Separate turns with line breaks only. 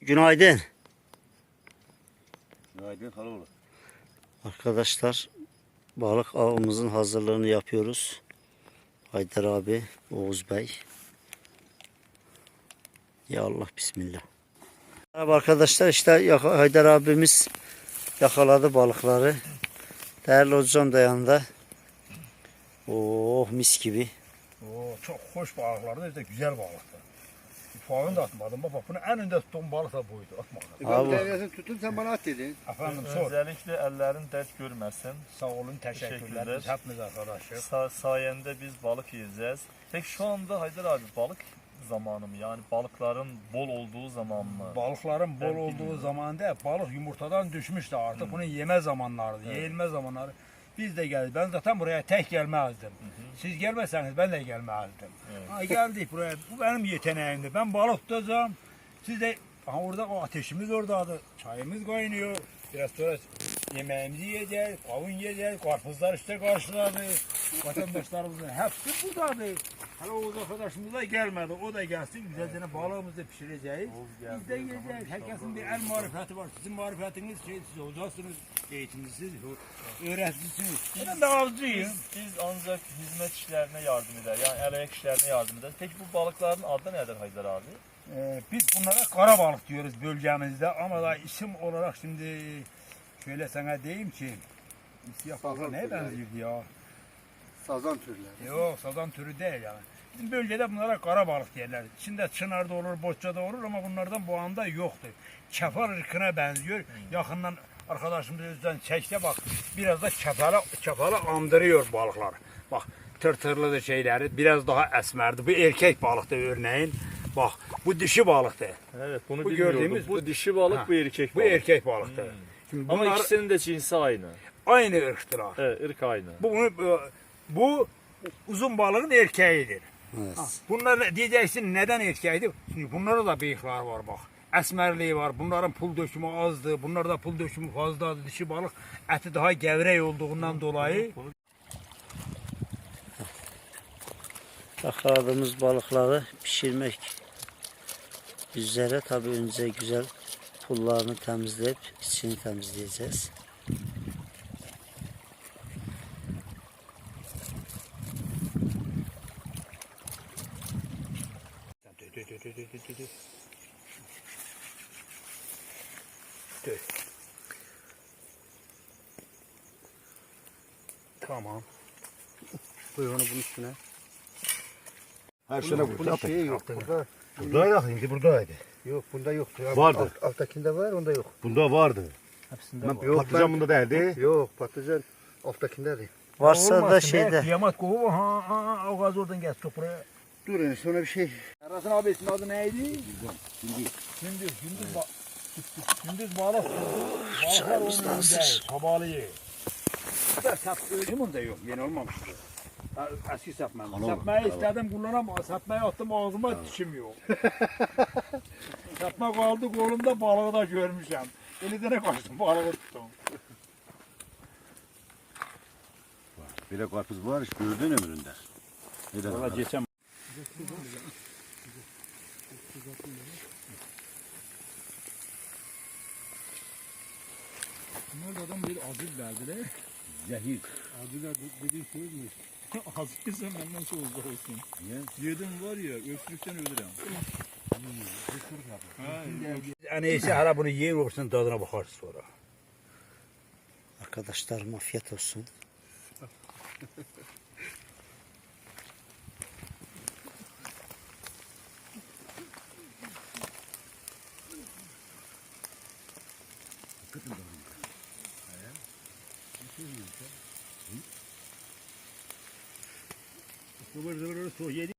Günaydın.
Günaydın Haloğlu.
Arkadaşlar balık avımızın hazırlığını yapıyoruz. Haydar abi, Oğuz Bey. Ya Allah bismillah. Merhaba arkadaşlar, işte Haydar abimiz yakaladı balıkları. Değerli hocam da yanında. Oh mis gibi.
Oo, çok hoş balıklardı, işte güzel balıktı. Ufağını da atmadım. Bak bunu en önde tuttuğum balık da buydu. Atmadım.
Abi.
Ben devriyesini tuttum, sen bana at dedin.
Efendim sor.
Özellikle ellerin dert görmesin.
Sağ olun, teşekkürler. Biz hepimiz arkadaşız.
Sayende biz balık yiyeceğiz. Peki şu anda Haydar abi balık zamanı mı? Yani balıkların bol olduğu zaman mı?
Balıkların bol
Ben
olduğu
bilmiyorum.
zamanda balık yumurtadan düşmüştü artık. Bunu yeme zamanlarıydı, yeyilme zamanları. Biz de geldik. Ben zaten buraya tek gelmezdim. Siz gelmeseniz ben de gelmezdim. Ha, geldik buraya. Bu benim yeteneğimdi. Ben balık tutacağım. Siz de orada o ateşimiz oradaydı. Çayımız kaynıyor. Biraz sonra yemeğimizi yiyeceğiz, kavun yiyeceğiz, karpuzlar işte karşıladı. Vatandaşlarımızın hepsi buradaydı. Hala Oğuz arkadaşımız da gelmedi. O da gelsin. Güzelce balığımızı pişireceğiz. Biz de yiyeceğiz. Herkesin bir el marifeti var. Sizin marifetiniz siz olacaksınız. Eğitimlisiniz, öğreticisiniz. Ben de avcıyım.
Biz ancak hizmet işlerine yardım eder. Yani el ayak işlerine yardım eder. Peki bu balıkların adı nedir Haydar abi?
Biz bunlara kara balık diyoruz bölgemizde ama da isim olarak şimdi şöyle sana diyeyim ki siyah balığa neye benziyordu ya?
Sazan türleri.
Yok sazan türü değil yani. Bizim bölgede bunlara kara balık derler. İçinde çınarda olur, boççada olur ama bunlardan bu anda yoktur. Kefal ırkına benziyor. Yakından arkadaşımız özden çekse bak biraz da kefala andırıyor balıklar. Bak tırtırlı da şeyleri biraz daha esmerdi. Bu erkek balıktı örneğin. Bak bu dişi balıktı.
Evet bunu
Bu
bilmiyordum.
gördüğümüz-
Bu dişi balık,
Ha,
bu erkek
Bu
balık.
erkek balıktı. Şimdi
Ama
bunlar
ikisinin de cinsi aynı.
aynı ırktılar.
Evet, ırk aynı.
Bu uzun balığın erkeğidir.
Evet.
Bunlar diyeceksin neden erkeğiydi? Çünkü bunlarda da bıyıklar var bak. Esmerliği var. Bunların pul dökümü azdı. Bunlarda pul dökümü fazladı. Dişi balık eti daha gevrek olduğundan dolayı.
Yakaladığımız balıkları pişirmek üzere. Tabii önce güzel pullarını temizleyip içini temizleyeceğiz.
Tamam. Koy onu bunun üstüne.
Her sene
Bunun şeyi yok. Burada
Buradaydı, şimdi buradaydı.
yok, bunda yoktu. Ya,
Vardı.
Alttakinde var, onda yok.
Bunda vardı.
Hepsinde
Ben
var.
Yok,
patlıcan
ben-
bunda değildi.
Yok, patlıcan alttakinde değil.
Varsa da
Olmasın be,
şeyde.
Kıyamet kovu o gaz oradan gel toprağa.
Dur yani sonra bir şey.
Erasın abisinin adı neydi? Gündüz balık tuttu. Balıklar onun önünde. Kabalıyı. Da sap öyle mi de yok. Yeni olmamıştı. Eski sapmam. Sapmayı istedim kullanamam. Sapmayı attım ağzıma dişim yok. Sapma kaldı kolumda balığı da görmüşüm. Elidene kaçtım balığı tuttum.
Bir de karpuz var, hiç gördün ömründe. Neden?
Valla geçen. Bunlar da adam bir aziz verdiler.
Zehir.
Aziz dediğin şey mi? Aziz sen benden şu uzak olsun.
Niye?
Yedim var ya öksürükten ölürüm. En iyisi hala bunu yer olsun tadına bakarız sonra.
Arkadaşlarım afiyet olsun.
Zıvır zıvır soğuk yedi.